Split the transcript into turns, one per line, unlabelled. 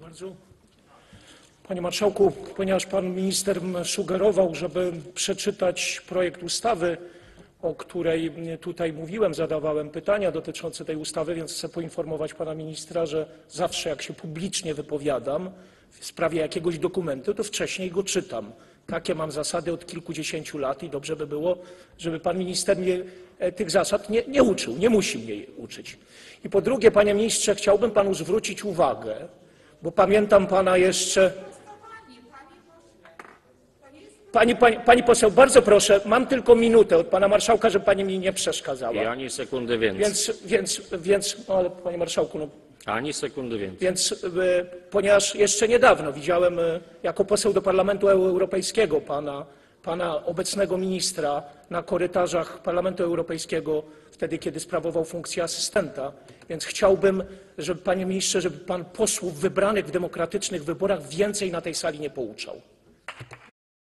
bardzo. Panie Marszałku, ponieważ Pan Minister sugerował, żeby przeczytać projekt ustawy, o której tutaj mówiłem, zadawałem pytania dotyczące tej ustawy, więc chcę poinformować Pana Ministra, że zawsze jak się publicznie wypowiadam w sprawie jakiegoś dokumentu, to wcześniej go czytam. Takie mam zasady od kilkudziesięciu lat i dobrze by było, żeby Pan Minister mnie tych zasad nie uczył, nie musi mnie uczyć. I po drugie, Panie Ministrze, chciałbym Panu zwrócić uwagę, bo pamiętam Pana jeszcze... Pani poseł, bardzo proszę, mam tylko minutę od Pana Marszałka, żeby Pani mi nie przeszkadzała.
I ani sekundy więcej.
No ale Panie Marszałku, no...
Ani sekundy więcej.
Więc ponieważ jeszcze niedawno widziałem jako poseł do Parlamentu Europejskiego pana obecnego ministra na korytarzach Parlamentu Europejskiego, wtedy kiedy sprawował funkcję asystenta, więc chciałbym, żeby Panie Ministrze, żeby Pan posłów wybranych w demokratycznych wyborach więcej na tej sali nie pouczał.